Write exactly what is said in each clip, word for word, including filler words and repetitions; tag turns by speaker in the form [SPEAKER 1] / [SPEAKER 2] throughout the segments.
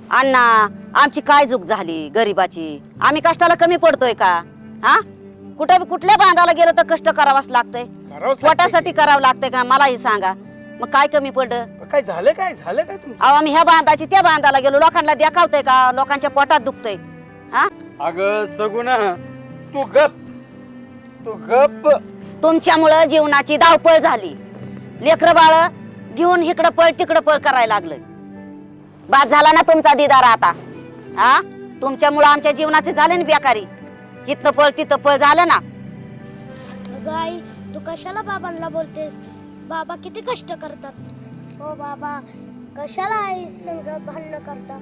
[SPEAKER 1] अण्णा आमची काय चूक झाली गरिबाची? आम्ही कष्टाला कमी पडतोय का? हा कुठे कुठल्या बांधाला गेलं तर कष्ट करावंच लागतंय, पोटासाठी करावं लागतंय का? मलाही सांगा, मग काय कमी पडलं?
[SPEAKER 2] काय झालं काय झालं काय तुमचं?
[SPEAKER 1] अहो आम्ही ह्या बांधाची त्या बांधाला गेलो, लोकांना देखावतोय का? लोकांच्या पोटात दुखतंय. हा
[SPEAKER 3] अगं सगुना तू गप, तू गप.
[SPEAKER 1] तुमच्यामुळं जीवनाची धावपळ झाली. लेकरं बाळ घेऊन इकडं पळ तिकडं पळ करायला लागलं. बाद झाला ना तुमचा दिदार आता. हा तुमच्यामुळं आमच्या जीवनाचे झाले ना बेकारी. इथं पळ तिथं पळ झालं ना.
[SPEAKER 4] अगं आई, तू कशाला बाबांना बोलतेस? बाबा किती कष्ट करतात. हो बाबा, कशाला आई संग भांडणं करतात?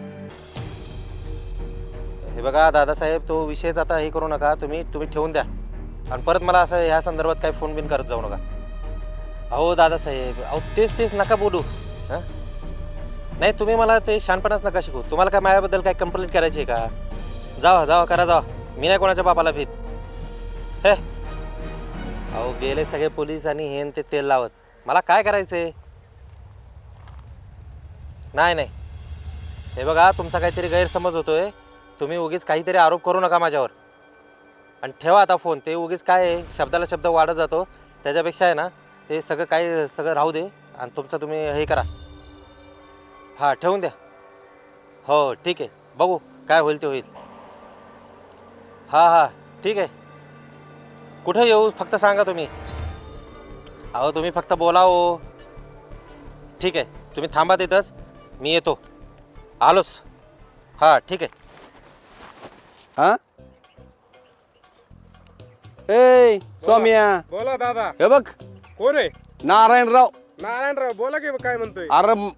[SPEAKER 5] हे बघा दादासाहेब, तो विषयच आता हे करू नका. तुम्ही तुम्ही ठेवून द्या आणि परत मला असं ह्या संदर्भात काही फोन बिन करत जाऊ नका. अहो दादासाहेब, अहो तेच तेच नका बोलू. हां नाही, तुम्ही मला ते शहाणपणाच नका शिकू. तुम्हाला काय माझ्याबद्दल काय कंप्लेंट करायची आहे का? जावा जावा करा जावा. मी नाही कोणाच्या बापाला भीत. हे अहो गेले सगळे पोलीस आणि हेन ते तेल लावत. मला काय करायचंय? नाही नाही, हे बघा तुमचा काहीतरी गैरसमज होतोय. तुम्ही उगीच काहीतरी आरोप करू नका माझ्यावर. आणि ठेवा आता फोन. ते उगीच काय आहे, शब्दाला शब्द वाढत जातो. त्याच्यापेक्षा आहे ना, ते सगळं काय सगळं राहू दे आणि तुमचं तुम्ही हे करा. हां ठेवून द्या. हो ठीक आहे, बघू काय होईल ते होईल. हां हां ठीक आहे. कुठं येऊ फक्त सांगा तुम्ही. अहो तुम्ही फक्त बोला हो. ठीक आहे, तुम्ही थांबा तिथंच, मी येतो. आलोच. हां ठीक आहे.
[SPEAKER 3] हा ए सौम्या,
[SPEAKER 2] बोला दादा.
[SPEAKER 3] हे बघ
[SPEAKER 2] कोण आहे?
[SPEAKER 3] नारायणराव.
[SPEAKER 2] नारायणराव बोला की, काय म्हणतोय?
[SPEAKER 3] अरे म-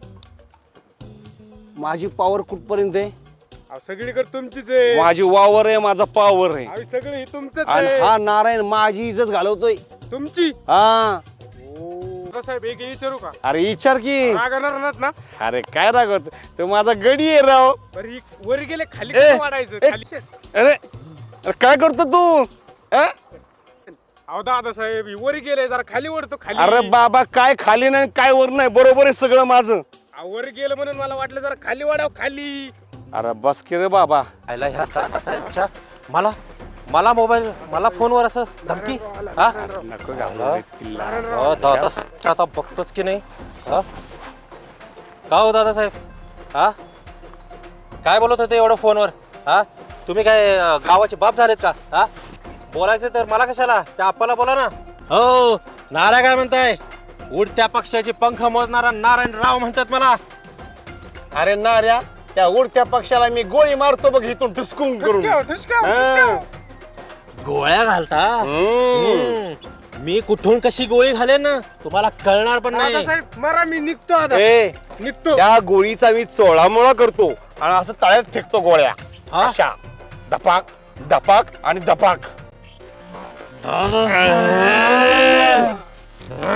[SPEAKER 3] माझी पावर कुठपर्यंत आहे?
[SPEAKER 2] अहो, सगळीकडे तुमचीच आहे.
[SPEAKER 3] माझी वावर आहे, माझा पावर आहे.
[SPEAKER 2] अहो, सगळं हे तुमचंच
[SPEAKER 3] आणि
[SPEAKER 2] आहे.
[SPEAKER 3] हा नारायण माझी इज्जत घालवतोय.
[SPEAKER 2] तुमची.
[SPEAKER 3] हा
[SPEAKER 2] साहेब एक विचारू का?
[SPEAKER 3] अरे विचार की.
[SPEAKER 2] रागणार नाहीत ना?
[SPEAKER 3] अरे काय रागवत, तो माझा गडी आहे राव.
[SPEAKER 2] बरं ही वर गेले खाली
[SPEAKER 3] ए,
[SPEAKER 2] कसं वाढायचं?
[SPEAKER 3] ए,
[SPEAKER 2] खाली शेत.
[SPEAKER 3] अरे अरे काय करतो तू? अं?
[SPEAKER 2] अहो दादा साहेब, वर गेले जरा खाली ओढतो खाली.
[SPEAKER 3] अरे बाबा, काय खाली नाही काय वर नाही, बरोबर आहे सगळं माझं.
[SPEAKER 2] अहो, वर गेलं म्हणून मला वाटलं जरा खाली वाढाव खाली.
[SPEAKER 3] अरे बस की रे बाबा.
[SPEAKER 5] आयला ह्या दादासाहेबच्या मला मला मोबाईल मला फोनवर असं धमकी. हा
[SPEAKER 3] नको
[SPEAKER 5] हो दादा, आता बघतोच की नाही. हा का हो दादासाहेब? हा काय बोलत होते एवढं फोनवर? हा तुम्ही काय अं, गावाचे बाप झालेत का? हा बोलायचं तर मला कशाला, त्या आप्पाला बोला ना. हो नारा काय म्हणताय? उडत्या पक्षाचे पंख मोजणारा नारायणराव म्हणतात मला.
[SPEAKER 3] अरे नाऱ्या, त्या उडत्या पक्षाला मी गोळी मारतो बघ इथून ठुसकून करून.
[SPEAKER 2] ठुसक्याव, ठुसक्याव,
[SPEAKER 3] हा.
[SPEAKER 2] ठुसक्याव.
[SPEAKER 5] गोळ्या घालता? हम्म. मी कुठून कशी गोळी घालेन ना तुम्हाला कळणार पण
[SPEAKER 2] दादा
[SPEAKER 5] नाही.
[SPEAKER 2] साहेब मरा, मी निघतो आता.
[SPEAKER 3] ए,
[SPEAKER 2] निघतो.
[SPEAKER 3] त्या गोळीचा मी चोळामोळा करतो आणि असं तळ्यात फेकतो गोळ्या.
[SPEAKER 5] हा?
[SPEAKER 3] अशा धपाक धपाक आणि धपाक.